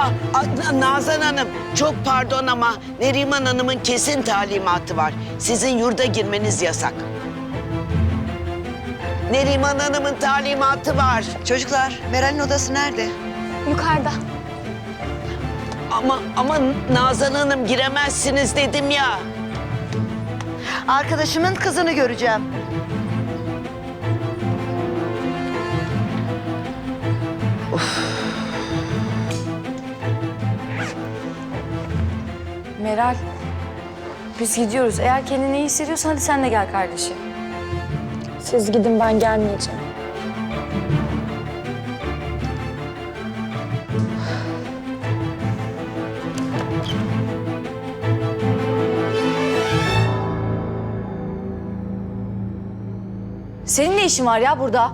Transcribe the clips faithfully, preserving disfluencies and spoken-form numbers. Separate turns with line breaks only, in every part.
Aa, a- Nazan Hanım, çok pardon ama Neriman Hanım'ın kesin talimatı var. Sizin yurda girmeniz yasak. Neriman Hanım'ın talimatı var.
Çocuklar, Meral'in odası nerede?
Yukarıda.
Ama ama Nazan Hanım giremezsiniz dedim ya.
Arkadaşımın kızını göreceğim.
Meral, biz gidiyoruz. Eğer kendini iyi hissediyorsan hadi sen de gel kardeşim.
Siz gidin, ben gelmeyeceğim.
Senin ne işin var ya burada?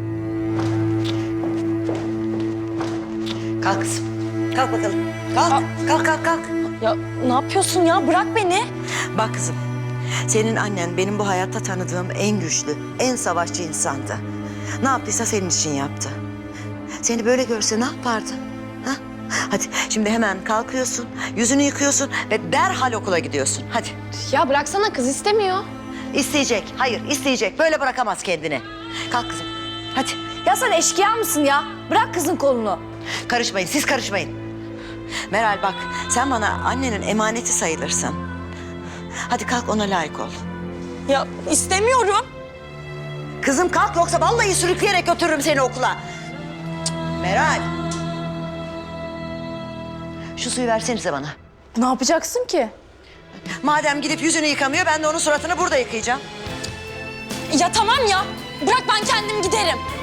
Kalk kızım. Kalk bakalım. Kalk, kalk, kalk, kalk.
Ya ne yapıyorsun ya? Bırak beni.
Bak kızım, senin annen benim bu hayatta tanıdığım en güçlü, en savaşçı insandı. Ne yaptıysa senin için yaptı. Seni böyle görse ne yapardı? Ha? Hadi şimdi hemen kalkıyorsun, yüzünü yıkıyorsun ve derhal okula gidiyorsun. Hadi.
Ya bıraksana, kız istemiyor.
İsteyecek, hayır isteyecek. Böyle bırakamaz kendini. Kalk kızım, hadi.
Ya sen eşkıya mısın ya? Bırak kızın kolunu.
Karışmayın, siz karışmayın. Meral bak, sen bana annenin emaneti sayılırsın. Hadi kalk, ona layık ol.
Ya istemiyorum.
Kızım kalk, yoksa vallahi sürükleyerek götürürüm seni okula. Cık, Meral. Şu suyu versenize bana.
Ne yapacaksın ki?
Madem gidip yüzünü yıkamıyor, ben de onun suratını burada yıkayacağım.
Ya tamam ya. Bırak, ben kendim giderim.